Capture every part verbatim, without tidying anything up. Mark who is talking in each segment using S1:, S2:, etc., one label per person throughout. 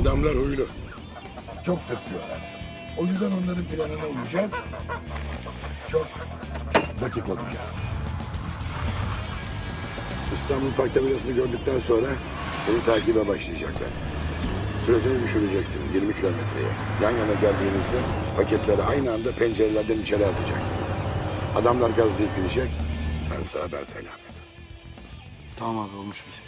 S1: Adamlar huylu. Çok tırsıyorlar. O yüzden onların planına uyacağız. Çok dakik olacağız. İstanbul Park tabelasını gördükten sonra seni takibe başlayacaklar. Süratini düşüreceksin yirmi kilometreye. Yan yana geldiğinizde paketleri aynı anda pencerelerden içeri atacaksınız. Adamlar gazlayıp gidecek. Sen sağ, ben selamet.
S2: Tamam abi, olmuş bir.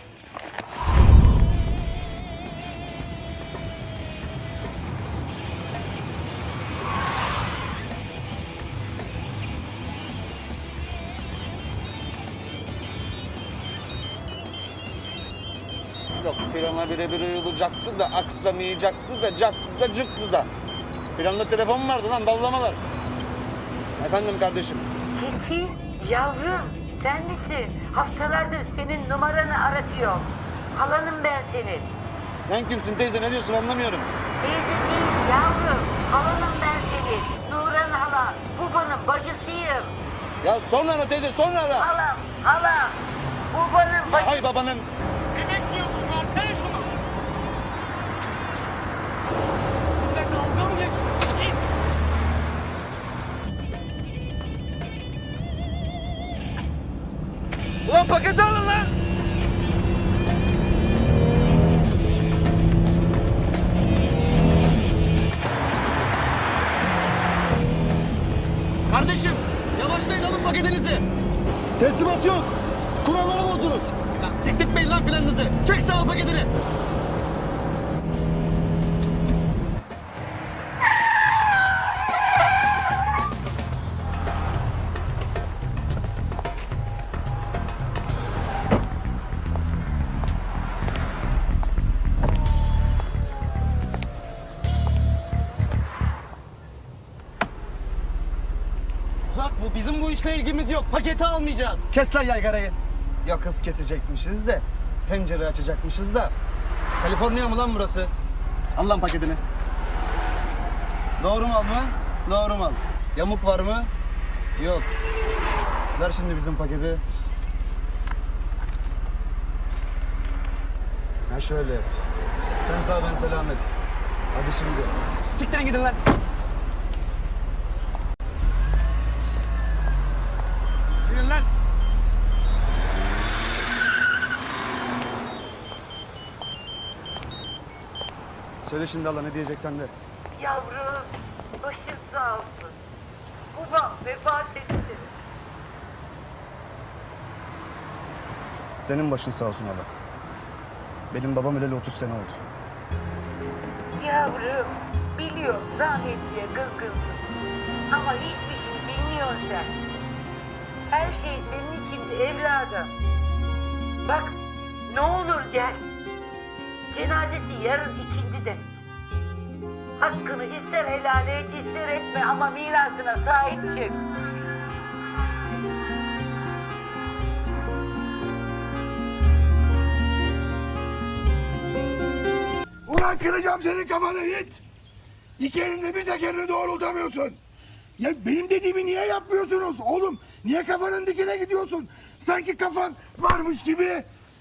S3: Yok, plana birebir uyulacaktı da aksamayacaktı da caktı da cıktı da. Planda telefon vardı lan, dallamalar. Efendim kardeşim.
S4: Çetin, yavrum sen misin? Haftalardır senin numaranı aratıyor. Halanım ben senin.
S3: Sen kimsin teyze, ne diyorsun anlamıyorum.
S4: Teyze değil yavrum. Halanım ben senin. Nuran hala. Babanın bacısıyım.
S3: Ya sonra ara teyze, sonra ara.
S4: Halam, halam. Babanın bacısı.
S3: Hay babanın.
S5: Ne bekliyorsun? Versene şunu. Ve dalga mı geçiyorsun? Git.
S3: Ulan paketi alın lan.
S5: Kardeşim, yavaşlayın, alın paketinizi.
S2: Teslimat yok. Kurallara bozdunuz.
S5: Lan siktirtmeyin lan planınızı. Çek sağ ol paketini. Uzak bu. Bizim bu işle ilgimiz yok. Paketi almayacağız.
S2: Kes lan yaygarayı. Ya kız kesecekmişiz de, pencere açacakmışız da. Kaliforniya mı lan burası? Al lan paketini. Doğru mal mı? Doğru mal. Yamuk var mı? Yok. Ver şimdi bizim paketi. Ha şöyle. Sen sağ, ben selamet. Hadi şimdi.
S5: Siktirin gidin lan. Gidin lan.
S2: Söyle şimdi Allah, ne diyeceksen de.
S4: Yavrum, başın sağ olsun. Babam vefat etti.
S2: Senin başın sağ olsun Allah. Benim babam öleli otuz sene oldu.
S4: Yavrum, biliyorum rahmetliye kızgınsın. Ama hiçbir şey bilmiyorsun sen. Her şey senin içindi evladım. Bak, ne olur gel. Cenazesi yarın ikindide. Hakkını ister helal et, ister etme ama mirasına sahip çık.
S1: Ulan kıracağım senin kafanı Yiğit. İki elinde bir tekerini doğrultamıyorsun. Ya benim dediğimi niye yapmıyorsunuz oğlum? Niye kafanın dikine gidiyorsun? Sanki kafan varmış gibi.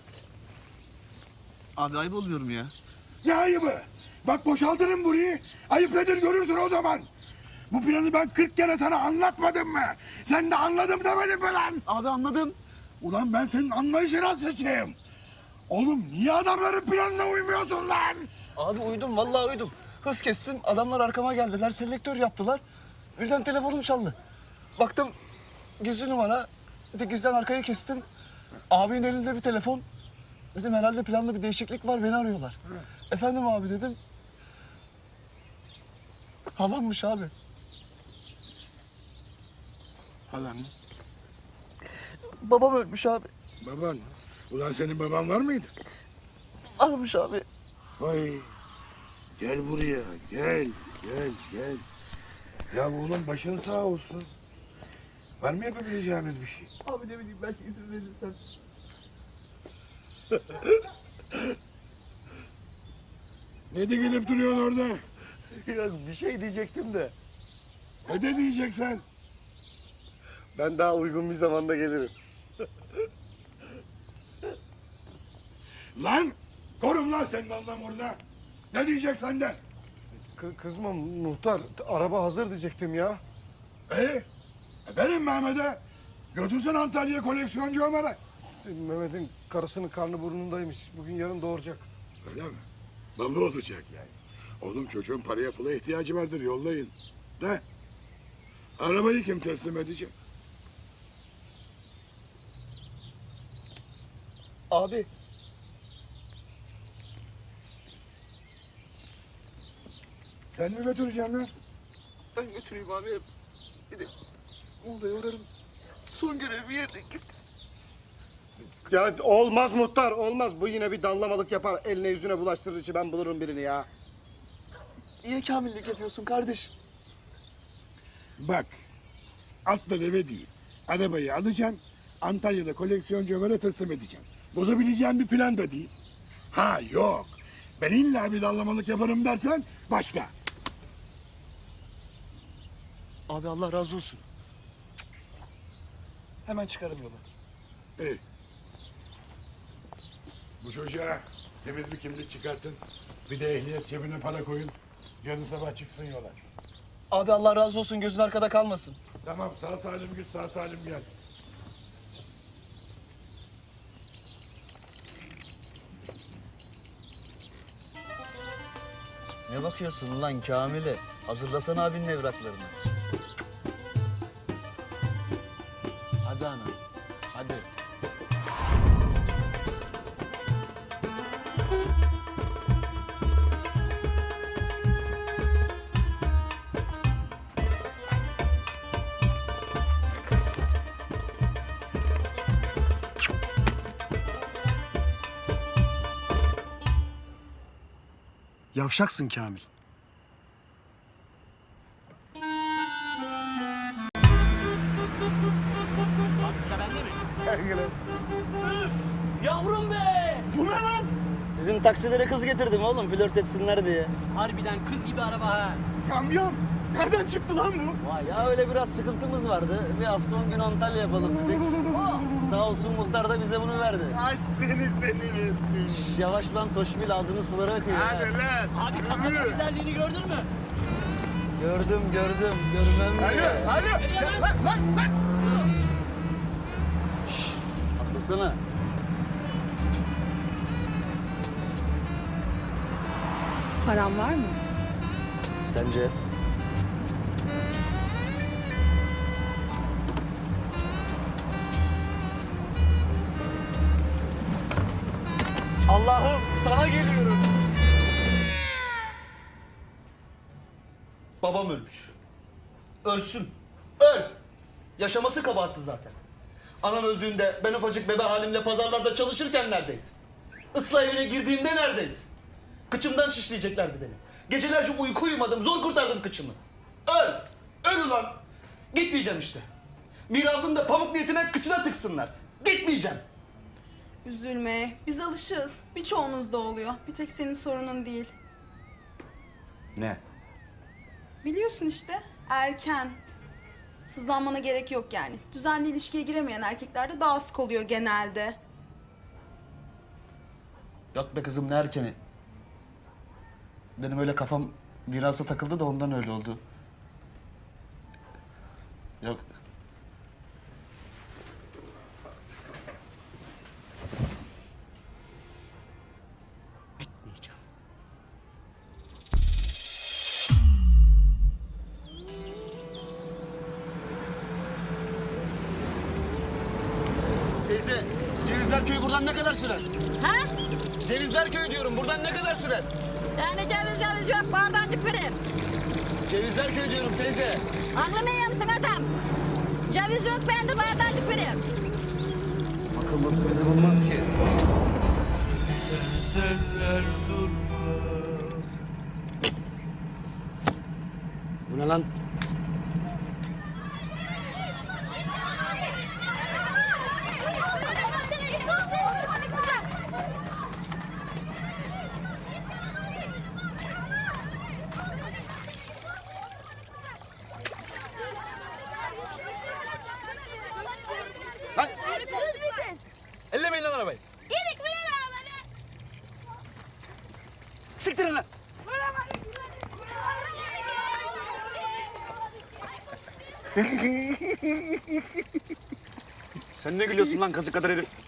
S3: Abi ayıp oluyorum ya.
S1: Ne ayıbı? Bak boşaltırım burayı. Ayıp nedir görürsün o zaman. Bu planı ben kırk kere sana anlatmadım mı? Sen de anladım demedin mi lan?
S5: Abi anladım.
S1: Ulan ben senin anlayışına sıçayım. Oğlum niye adamların planına uymuyorsun lan?
S2: Abi uydum, vallahi uydum. Hız kestim, adamlar arkama geldiler, selektör yaptılar. Birden telefonum çaldı. Baktım, gizli numara. Gizden arkayı kestim. Abinin elinde bir telefon. Dedim herhalde planda bir değişiklik var, beni arıyorlar. Efendim abi dedim. Halammış abi.
S1: Halan mı?
S2: Babam ölmüş abi.
S1: Baban mı? Ulan senin baban var mıydı?
S2: Varmış abi.
S1: Vay. Gel buraya. Gel. Gel. Gel. Ya oğlum başın sağ olsun. Var mı yapabileceğimiz bir şey?
S2: Abi ne bileyim, belki izin verirsen.
S1: Ne de gelip duruyorsun orada?
S2: Ya bir şey diyecektim de.
S1: Ne de diyeceksen?
S2: Ben daha uygun bir zamanda gelirim.
S1: Lan! Korum lan senin Allah'ım orada. Ne diyecek senden?
S6: Kı- kızma muhtar. Araba hazır diyecektim ya.
S1: E, verin Mehmet'e. Götürsen Antalya'ya koleksiyoncu Ömer'e.
S6: Mehmet'in karısının karnı burnundaymış. Bugün yarın doğuracak.
S1: Öyle mi? Baba olacak yani. Oğlum çocuğun paraya pula ihtiyacı vardır, yollayın. De. Arabayı kim teslim edecek?
S2: Abi.
S1: Sen mi götüreceksin lan?
S2: Ben götüreyim abi. Bir de Muğla'ya uğrarım. Son görev bir yerine git.
S6: Ya olmaz muhtar, olmaz. Bu yine bir dallamalık yapar. Eline yüzüne bulaştırır içi. Ben bulurum birini ya.
S2: Niye kamillik yapıyorsun kardeşim?
S1: Bak, atla deve değil. Arabayı alacaksın, Antalya'da koleksiyoncu Ömer'e teslim edeceğim. Bozabileceğim bir plan da değil. Ha yok, ben illa bir dallamalık yaparım dersen başka.
S2: Abi Allah razı olsun. Hemen çıkarım yola.
S1: İyi. Bu çocuğa temiz bir kimlik çıkartın. Bir de ehliyet cebine para koyun. Yarın sabah çıksın yola.
S2: Abi Allah razı olsun, gözün arkada kalmasın.
S1: Tamam, sağ salim git, sağ salim gel.
S2: Ne bakıyorsun lan Kamil'e? Hazırlasana abinin evraklarını. Hadi ana, hadi. Yavşaksın Kamil.
S5: Abi sıra bende mi? Üf, yavrum be!
S2: Sizin taksilere kız getirdim oğlum, flört etsinler diye.
S5: Harbiden kız gibi araba ha.
S6: Yamyam! Nereden çıktı lan bu?
S2: Vay ya, öyle biraz sıkıntımız vardı. Bir hafta on gün Antalya yapalım dedik. Oh, sağ olsun muhtar da bize bunu verdi.
S6: Ay seni senin
S2: Şş, yavaş lan Toşbil, ağzının suları akıyor. ha.
S6: lan.
S5: Abi kasanın güzelliğini gördün mü?
S2: Gördüm gördüm, görmem mi?
S6: Hadi. Lan lan lan.
S2: Şş, atlasana.
S7: Param var mı?
S2: Sence? Allah'ım sana geliyorum. Babam ölmüş. Ölsün. Öl. Yaşaması kabahattı zaten. Anam öldüğünde ben ufacık bebe halimle pazarlarda çalışırken neredeydi? Islah evine girdiğimde neredeydi? Kıçımdan şişleyeceklerdi beni. Gecelerce uyku uyumadım, zor kurtardım kıçımı. Öl! Öl ulan! Gitmeyeceğim işte. Mirasını da pamuk niyetine kıçına tıksınlar. Gitmeyeceğim.
S8: Üzülme. Biz alışığız. Birçoğunuzda oluyor. Bir tek senin sorunun değil.
S2: Ne?
S8: Biliyorsun işte. Erken. Sızlanmana gerek yok yani. Düzenli ilişkiye giremeyen erkeklerde daha sık oluyor genelde.
S2: Yok be kızım, ne erkeni. Benim öyle kafam mirasa takıldı da ondan öyle oldu. Yok. Gitmeyeceğim. Teyze, Cevizler Köyü buradan ne kadar sürer?
S9: Ha?
S2: Cevizler Köyü diyorum, buradan ne kadar sürer?
S9: Yani ceviz ceviz yok, bağdancık verin.
S2: Cevizler Köyü diyorum teyze.
S9: Aklımı yemişsin adam. Ceviz yok, ben de bağdancık verin.
S2: Akıllısı bizi bulmaz ki. Bu ne lan? Lan! Ellemeyin lan arabayı.
S9: Yedik mi lan arabanı?
S2: Siktirin lan!
S3: Sen ne gülüyorsun lan kazık kadar herif?